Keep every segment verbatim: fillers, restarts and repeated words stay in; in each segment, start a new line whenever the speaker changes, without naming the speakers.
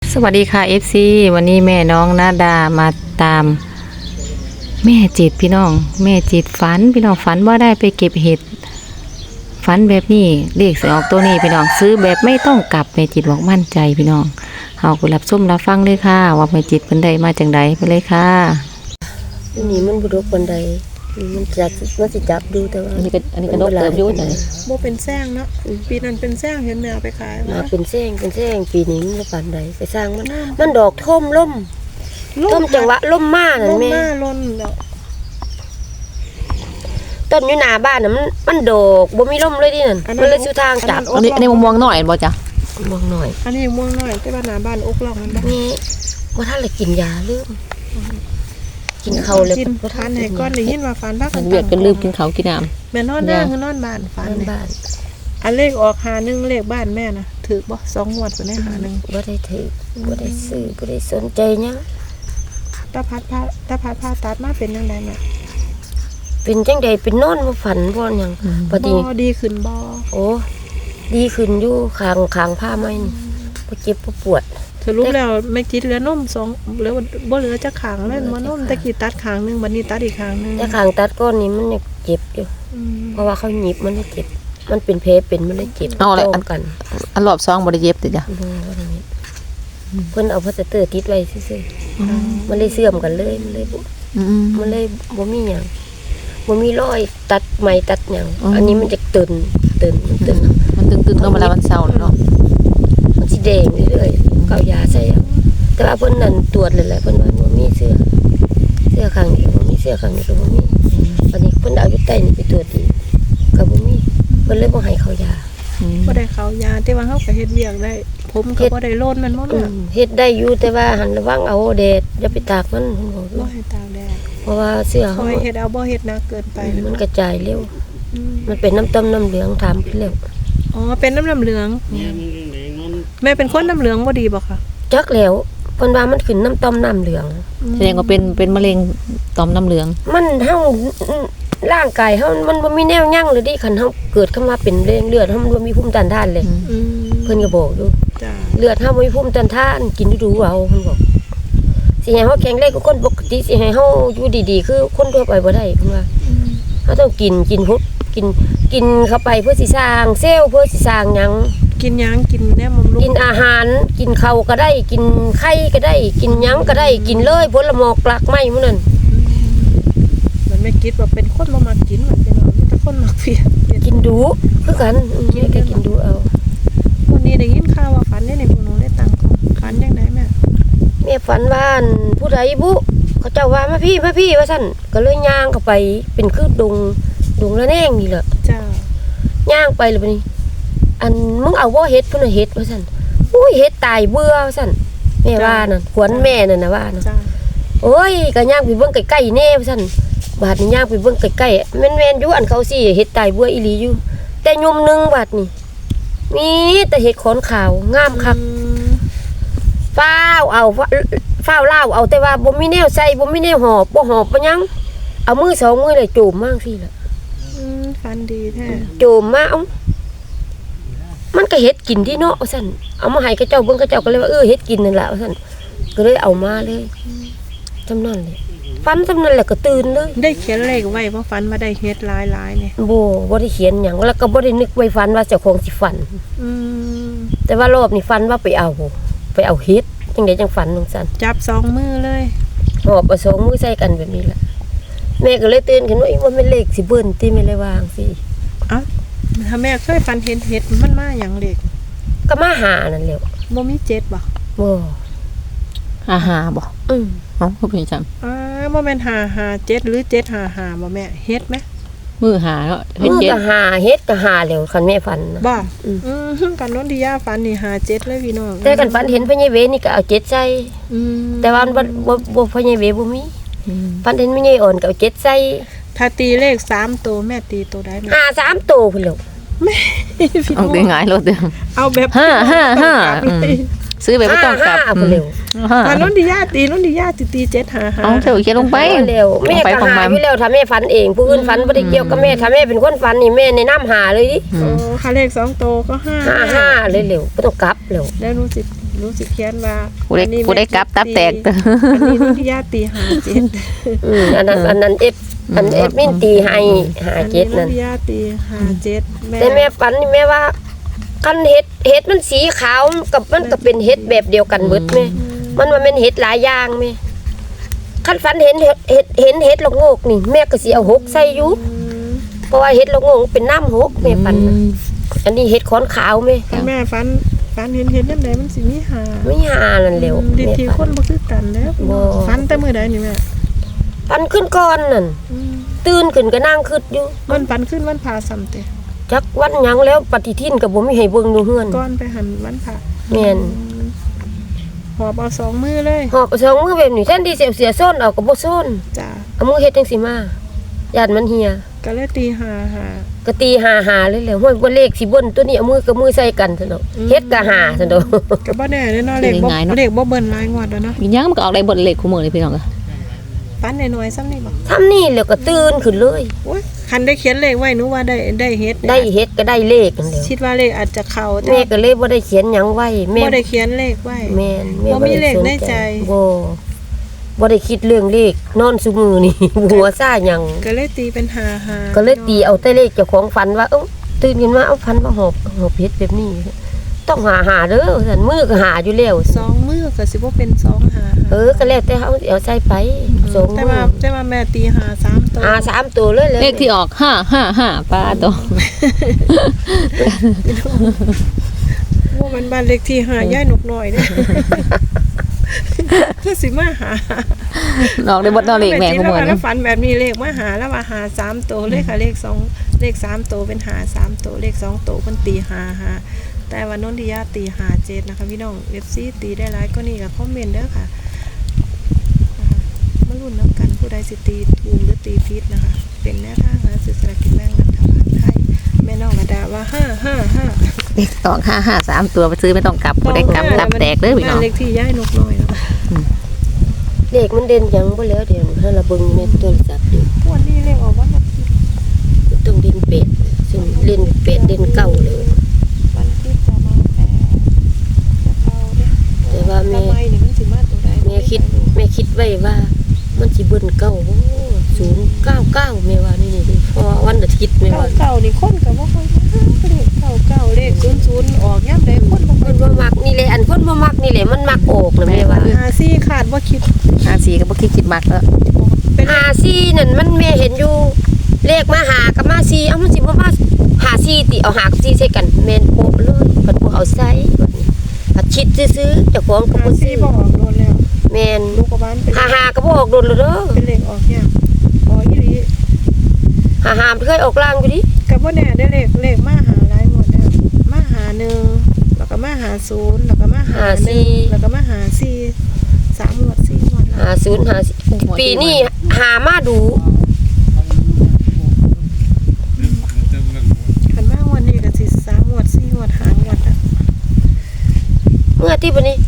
สวัสดีค่ะ เอฟ ซี วันนี้แม่น้องนาดามาตามแม่จิตพี่น้องแม่จิตฝันพี่น้องฝันว่าได้ไปเก็บเห็ดฝันแบบนี้เลขสิออกตัวนี้พี่น้องซื้อแบบไม่ต้องกลับแม่จิตบอกมั่นใจพี่น้องเฮาไปรับชมรับฟังเลยค่ะว่าแม่จิตเพิ่นได้มาจังไดไปเลยค่ะ
อันนี้มันบุรุษคนใดมันจับมันสิจับดูแต่ว่า
อันนี้ก็อันนี้ก็ดกเติบอยู่จัง
โบเป็นแซงเนาะปีนั้นเป็นแซงเห็นแมวไปขาย
มา
ว่า
เป็นแซงเป็นแซงปีนี้มันปานใดไปสร้างมันมันดอกท่มล่มท่มจังหวะล่มมานั่น
ล่ม
แม่
หน้าล้นแล้ว
ต้นอยู่หน้าบ้านน่ะมันมันดอกบ่มีล่มเลยดินั่นมันเลยสู่ทางจับ
อันนี้อันนี้ม่วงๆหน่อยบ่จ้ะ
มองหน่อย
อันนี้ม่วงน้อยที่บ้านหน้าบ้านอกล่องมันบ่
นี่ว่าถ้าเลยกินยาลืมกินข้าวเลย
กินทานให้ก้อนได้ยินว่าฟันบ้า
มันเวียดกันลืมกินข้าวกินน้ำ
แม่นอนหน้าคือนอนบ้านฟัน
บ้าน
อันเลขออกหาหนึ่งเลขบ้านแม่น่ะถือบ่สองงวดบ่ได้หาหนึ่ง
บ่ได้ถือบ่ได้ซื้อบ่ได้สนใจหยัง
ตาพัดผ้าตาพัดผ้าตัดมาเป็นจังไดแม่
เป็นจังใดเป็นนอนบ่ฝันบ่หยังปกติ
บ่ดีขึ้นบ่
โอ้ดีขึ้นอยู่คางคางผ้าไหมนี่บ่เจ็บบ่ปวด
สรุปแล้วไม่จิตเหลือนมสองเหลือบ่เหลือจักขางเลยบ่นมตะกี้ตัดขางนึงบัดนี้ตัดอีกขางนึง
แต่คางตัดก้อนนี้มันยังเจ็บอยู่
อืม
เพราะว่าเขาหยิบมันได้เจ็บ มันเป็นแผลเป็นมันได้เจ็บ
เอาอะไร
ต้
อั
อน งกัน
อันรอบสองบ่ได้เย็บติจ้ะ
บ่ว่าอย่างนี้เพิ่นเอาพลาสเตอร์ติดไว้ซื่อๆมันเลยเสื่อมกันเลยมันเลยบ่
อืม
มันเลยบ่มีหยังบ่มีรอยตัดไหมตัดหยัง
อ๋ออั
อันนี้มันจะตึนตึนมันตึน
มันตึงๆเนาะเวลามันเศร้าเนาะ
มันสิแดงเรื่อยๆก็เอายาใส่เอาแต่ว่าเพิ่นนั่นตรวจเลยแหละเพิ่นว่าบ่มีเสื้อเสื้อข้างนี้บ่มีเสื้อข้างนี้ก็บ่มีวันนี้เพิ่นเอาอยู่ใต้นี่ไปตรวจอีกก็บ่มีเพิ่นเลยบ่ให้เขายา
บ่ได้เขายาแต่ว่าเฮาก็เฮ็ดเวียกได้ ผมก็บ่ได้โลนมันบ่
อื
แม่
มเฮ็ดได้อยู่แต่ว่าหันระวังเอาแดดอย่าไปตากมันเพิ่นบอกอยู่
บ่ให้ตากแดด
เพราะว่าเสื้อ
ค
เฮา
อยเฮ็ดเอาบ่เฮ็ดหนักเกินไป
มันกระจายเร็ว
อืม
มันเป็นน้ำต้มน้ำเหลืองถามขึ้นแล้ว
อ๋อเป็นน้ำน้ำเหลือง แม่เป็นคนน้ำเหลืองบ่ดีบ่คะ
จักแล้วเพิ่นว่ามันขึ้นน้ำต้มน้ำเหลือง
แสดงว่าเป็นเป็นมะเร็งต่อมน้ำเหลือง
มันเฮาร่างกายเฮามันบ่มีแนวยั้งเลยดิคันเฮาเกิดขึ้นมาเป็นเรื่องเลือดเฮามันบ่มีภูมิต้านทานเลย
อืม
เพิ่นก็บอกอยู่
จ้า
เลือดเฮาบ่มีภูมิต้านทานกินดูๆเอาเพิ่นบอกสิให้เฮาแข็งแรงกว่าคนปกติสิให้เฮาอยู่ดีๆคือคนทั่วไปบ่ได้เพิ่นว่าเฮาต้องกินกินพุดกินกินเข้าไปเพื่อสิสร้างเซลล์เพื่อสิสร้างหยัง
กินหยังกินแนวบำรุง
กินอาหารกินข้าวก็ได้ กินไข่ก็ได้ กินหยังก็ได้กินเลยผลหมอกหลากไม้มื้อนั้น
มันไม่คิดว่าเป็นคนบ่มักกินเหมือนกันเนาะมีแต่คนมักเพียร
กินดูคือกันอืมแม่ก็กินดูเอา
วันนี้ได้ยินข่าวว่าฝันได้ในพวกหนูได้ตังค์ของฝันจังไดแม่
แม่ฝันว่าอั่นผู้ใดบุเขาเจ้าว่ามาพี่มาพี่ว่าซั่นก็เลยย่างเข้าไปเป็นคือดงดงละแนงนี่แหละ
จ้า
ย่างไปเลยบัดนี้ อันมึงเอาบ่เฮ็ดพุ่นน่ะเฮ็ดว่าซั่นอุ้ยเฮ็ดตายเบื่อว่าซั่นแม่ว่านั่นขวัญแม่นั่นน่ะว่านะ
จ้า
โอ้ยก็ย่างไปเบิ่งใกล้ๆแน่ว่าซั่นบาดนี้ย่างไปเบิ่งใกล้ๆแม่นๆอยู่อันเขาสิเฮ็ดตายเบื่ออีหลีอยู่ แต่ยมหนึงบาดนี้มีแต่เฮ็ดขอนขาวงามคัก
อืม
ฟ้าวเอาฟ้าวเล่าวเอาแต่ว่าบ่มีแนวใส่บ่มีแนวหอบบ่หอบบ่หยังเอามือสองมือเลยโจมมากสิล่ะ
อืมฝันดีแท้
โจมมาเอ้ามันก็เฮ็ดกินที่เนาะว่าซั่นเอามาให้กับเจ้าเบิ่งกับเจ้าก็เลยว่าเออเฮ็ดกินนั่นล่ะว่าซั่นก็เลยเอามาเลยจำนั้นเลยฟันจำนั้นแหละก็ตื่นเลย
ได้เขียนเลขไว้ว่าฝันมาได้เฮ็ดหลายๆเนี่ย
บ่บ่ได้เขียนหยังแล้วก็บ่ได้นึกไว้ฟันว่าเจ้าของสิฟัน
อืม
แต่ว่ารอบนี้ฟันว่าไปเอาไปเอาเฮ็ดจังได๋จังฟันจังซั่น
จับสองมือเลย
หอบเอาสองมือใส่กันแบบนี้ล่ะแม่ก็เลยตื่นขึ้นว่าอีว่าแม่นเลขสิเบิ่นติแม่เลยวาจังซี่
เอ้าถ้าแม่เคยฝันเห็นเห็ดมันมาหยังเลข
ก็มาหานั่นแหละ
บ่มีเจ็ดบ่
บ่
อาหาบ่
อืม
เอ้าคือเป็นจัง
อ่าบ่แม่นห้าห้าเจ็ดหรือเจ็ดห้าห้าบ่แม่เฮ็ดไหม
มือหาเนาะเฮ็ด
มือ
เจ็ด
ก็หาเฮ็ดก็หาแล้วคันแม่ฝันนะ
บ่
อืม
อืมกันโน้นที่ย่าฝันนี่ห้าเจ็ดเลยพี่น้อง
แต่กันฝันเห็นพญาเวนี่ก็เอาเจ็ดใส่
อืม
แต่ว่ามันบ่บ่บ่พญาเวบ่มี
อืม
ฝันเห็นพญาอ่อนก็เอาเจ็ดใส่
ถ้าตีเลขสามตัวแม่ตีตัวได้ไหม
หาสามโตพุ่นแล้ว
พี่
เอา
น้อง
ได้ง่ายโลดเด้อ
เอาแบบ
ห้าห้าห้า
ต้องกลับเลย
ซื้อแบบบ่ต้องกลับ
ห้าพุ่นแล้ว
ห้า
กันโน้นที่ย่าตีโน้นที่ย่าตีตีเจ็ดห้าห้า
เอาเถอะเขียนลงไป
เอาแล้วแม่
ไป
ก็
ของ
หา
มัน
อยู่แล้วถ้าแม่ฝันเองผู้อื่นฝันบ่ได้เกี่ยวกับแม่ถ้าแม่เป็นคนฝันนี่แม่แนะนำหาเลยดิ
อื
โอ้
ม
ค่าเลขสองตัวก็ห้า
ห้าห้าเลยเร็วบ่ต้องกลับแล้ว
ได้รู้สิรู้สิเขียนว่า
ผู้ได้
อันนี้
ผู้ได้กลับตับแตก
อันนี้นุชยาตีหาเจ็ด
อืมอันนั้นอันนั้นเอฟอันเอฟมินตีให้หาเจ็ดนั่น
นุชยาตีหาเจ็ด
แต่แม่ฝันนี่แม่ว่าคันเห็ดเห็ดมันสีขาวกับมันก็เป็นเห็ดแบบเดียวกันเบิดแม่มันว่าเป็นเห็ดหลายอย่างแม่คันฝันเห็นเห็ดเห็ดเห็นเห็ดละโงกนี่แม่ก็สิเอาหกใส่อยู่เพราะว่าเห็ดละโงกเป็นน้ำหกแม่ฝันน่ะอันนี้เห็ดขอนขาวแม่
แม่ฝันฝันเห็นเห็นนั่นไหนมันสิมีหา
ไม่หานั่นเร็ว
ดิ
แม่
ที
ฝั
คน นบ่คือกันแล้ว
บ่
ฝันแต่มื้อใดนี่แม่
ฝันขึ้นก่อนนั่น
อืม
ตื่นขึ้นก็นั่งคิดอยู่
มันฝันขึ้นวันพาซ้ำเตะ
จักวันหยังแล้วปฏิทินก็บ่มีให้เบิ่งอยู่เฮือน
ก่อนไปหันวันพา
แม่น
หอบเอาสองมือเลย
หอบสองมือแบบนี้แทนที่สิเอาเสียส้นเอาก็บ่ส้น
จ้า
เอามือเฮ็ดจังซี่มาย่านมันเหี่ย
ก็เลยตีหาหา
ก็ตีหาหาเลยแหละห้วยบ่เลขสิเบิ่นตัวนี้เอามือกับมือใส่กันซั่นดอกเฮ็ดก็หาซั่นดอก
ก็บ่แน่เด้อเนาะเลขบ่
ง่ายๆเนาะ
เลขบ่เบิ่นหลายงวดแล้วเนาะ
อีหยังมันก็ออกได้บทเลขคู่มือเลยพี่น้องก็
ฝันน้อยๆซ้ำนี่บ่
ทำนี่แล้วก็ตื่นขึ้นเลย
โอ้ยคันได้เขียนเลขไว้หนูว่าได้ได้เฮ็ด
ได้เฮ็ดก็ได้เลขนั่นแหละ
คิดว่าเลขอาจจะเข้าแต่
แม่ก็เลยบ่ได้เขียนหยังไว้แม่
บ่ได้เขียนเลขไว้
แม่นแม่
บ่มีเลขในใจ
บ่บ่ได้คิดเรื่องเลขนอนซุมือนี่ หัวซ่าหยัง
ก็เลยตีเป็นหาหา
ก็เลยตีเอาแต่เลขเจ้าของฝันว่าเอ้าตื่นขึ้นมาเอาฝันว่าหอบหอบเฮ็ดแบบนี้ ต้องหาหาเด้อซั่นมือก็หาอยู่แล้ว
สองมือก็สิบ่เป็นสองหาหา
เออก็แล้วแต่เฮาเอาใส่ไปสอง
แต่
มื
ว่า
อ
แต่ว่าแม่ตีหาสามตัว
หาสามตัวเลยเลย
เลขที่ออกห้าห้าห้าป้าตัว
ว่ามันบ้านเลขที่หาย่ายนกน้อยเด้ คือสิมาหา
ออกได้บทนอเลขแม่คู่มือ
แล้
นะ
วฝันแบบนี้เลขมาหาแล้วว่าหาสามตัวเลขค่ะเลขสองเลขสามตัวเป็นหาสามตัวเลขสองตัวเพิ่นตีหาหาแต่ว่านนทิยาตีหาเจ็ดนะคะพี่น้อง เอฟ ซี ตีได้หลายก็นี่ก็คอมเมนต์เด้อค่ะนะคะมาลุ้นน้ำกันผู้ใดสิตีถูกหรือตีผิดนะคะ เป็นแนวทางหาซื้อสลากกินแบ่งรัฐบาลไทยแม่น้องระดาว่าห้าห้าห้า
เลขออกห้าห้าสามตัวไปซื้อไม่ต้องกลับผู้ได้กลับตับแตกเลยพี่น้อง
บ้าเลขที่ย่ายนกน้อยเนาะ
เลขมันเด่นหยังบ่แล้วเดี๋ยวให้เราเบิ่งในโทรศัพท์อยู่
วันนี้เลขออกวันอาทิตย์
ต้องเด่นเป็ดซึ่งเล่นเป็ดเด่นเก่าเลย
วันอาทิตย์จะมาแต่จะเก่าเด้
แต่ว่าแม่
ทำไมนี่มันสิมาตัวใด
แม่คิดแม่คิดไว้ว่า มันสิเบิ่นเก่าโอ้ศูนย์เก้าเก้าแม่ว่านี่นี่เพราะว่าวันอาทิตย์แม่
เก่า
ว่า
เก่านี่คนก็บ่ค่อยมาเลขเก่าเก่าเลขศูนย์ศูนย์ออกยามใดคนบ่ค่
เพิ่
อย
นบ่มักนี่แหละอันเพิ่นบ่มักนี่แหละมันมักออกนะแม่ว่า
หาซี่ขาดบ่คิด
ห้าสี่ก็บ่คิดคิดมากแล้ว
เป็น
หาซี่นั่นมันแม่เห็นอยู่เลขมาหากับมาซี่เอ้ามันสิบ่มาหาซี่ติเอาหากับซี่ใส่กันแม่นโปะเลยเพิ่นบ่เอาใส่บัดนี้ผัดชิดซื่อๆเจ้าของก็
หา
บ่
ซี่
ซื้อ
บ่ออกโดนแล้ว
แม่น
ลูกกบ้านเป็น
หาหาก็บ่ออกโดนเลยเด้อ
เป็นเลขออกยากอ๋ออีหลี
หาหามันเคยออกล่างอยู่ดิ
ก็บ่แน่ได้เลขเลขมาหาหลายหมดแล้วมาหาหนึ่งแล้วก็มาหาศูนย์แล้วก็มาหาหนึ่งแล้วก็มาหาสี่สามหมวดสี่หมวดแล้ว
หาศูนย์หาสี่ปีนี้หามาดู
คันมาวันนี้ก็สิสามหมวดสี่หมวดหางหมวดอ่ะ
เมื่อที่บัดนี้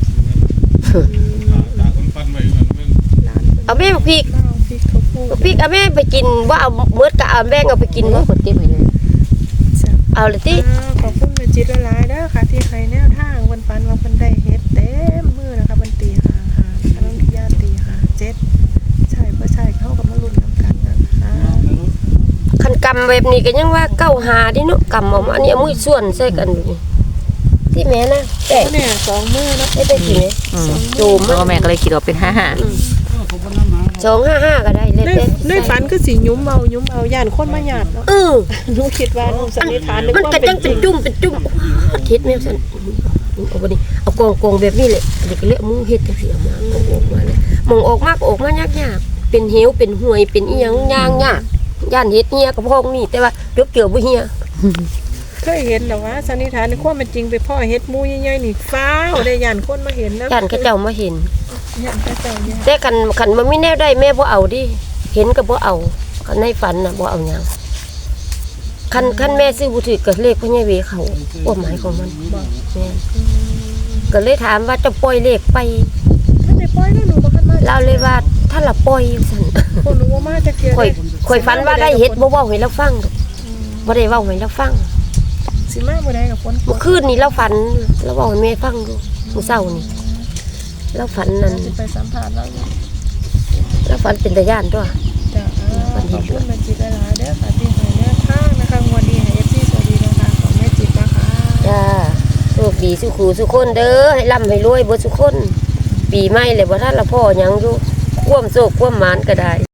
ร้าน
เอาแม่บักพริก
เล่าพริกข้าวโพด
บักพริกเอาแม่ไปกินว่าเอาเมื่อกะเอาแม่งเอาไปกินบ่
กดเก็บไว้เลย
เอาเลยติ
อ่าขอบคุณแม่จิตหลายๆเด้อค่ะที่ให้แนวทางวันปันว่าเพิ่นได้เฮ็ดเต็มมือนะคะมันตีหาหาอันนั้นที่ย่าตีหาเจ็ดใช่บ่ใช่เขาก็มาลุ้นนำกันนะคะ
คันกำแบบนี้ก็ยังว่าเก้าหาดิเนาะกำออกมาอันนี้เอามือส่วนใส่กันอยู่นี่ที่แม่นะแต่
เนี่ยสองมือเนาะ
ได้ได้สิแม่
อืม
โจม
เพราะว่าแม่ก็เลยคิดว่าเป็นห้าห้า
สองห้าห้าก็ได้เลย
ใน
แต่
ในฝันคือสิยุ้มเอายุ้มเอาย่านคนมาหยาดเนาะ
เออ
หนูคิดว่าหนูสันนิษฐานนึก
มัน
ว่า
ก็
เป็
จั
น
ง
จ
เป็
ริ
น
ง
จุ่มเป็นจุ่มคิดแม่ซั่นเอาบ่นี่เอากองกองแบบนี้แหละเด็กเละมือเฮ็ดจังซี่เอามาเอาออกมาเลยมองออกมาก็ออกมายากๆเป็นเหวเป็นห้วยเป็นอีหยังยางยากย่านเฮ็ดเฮียกับพองนี่แต่ว่าจกเกี่ยวบ่เฮีย
เคยเห็นแต่ว่าสันนิษฐานในความเป็นจริงไปพ่อเฮ็ดหมูใหญ่ๆนี่ฟ้าวได้ย่านคนมาเห็นนะ
ย่านเขาเจ้ามาเห็น
ย่านเขาเจ้าย่าน
แต่คันคันมันไม่แน่ได้แม่บ่เอาดิเห็นก็บ่เอาคันในฝันน่ะบ่เอาหยังคันคันแม่ซื้อบ่ถือก็เลขพ่อใหญ่เวเขาความหมายของมันแม่นก็เลยถามว่าจะปล่อยเลขไป
ท่านได้ปล่อยแล้วหนูบ่คันมา
เราเลยว่าถ้าละปล่อยซั่น
คนหนูบ่มาจะเกลียด
ข่อยข่อยฝันว่าได้เฮ็ดบ่เว้าให้เราฟังดอกบ่ได้เว้าให้เราฟัง
สิมาบ่ได้กับคน
เมื่อคืนนี้เราฝันเราเว้าให้แม่ฟังดู
อ
มื้อเช้านี่แล้วฝันนั่น
จะไปสัมผัสแล้วอยู่
แล้วฝันเป็นตาย่านตัว
จ้ะอ่าขอบคุณแม่จิตหลายๆเด้อค่ะที่ให้แนวทางนะคะงวดนี้ให้ เอฟ ซี สวัสดีนะคะของแม่จิตนะคะ
จ้าโชคดีสุขูสุคนเด้อให้ร่ำให้รวยเบ่สุคน ปีใหม่เลยบ่ทันละพ่อหยังอยู่ความโชคความหมานก็ได้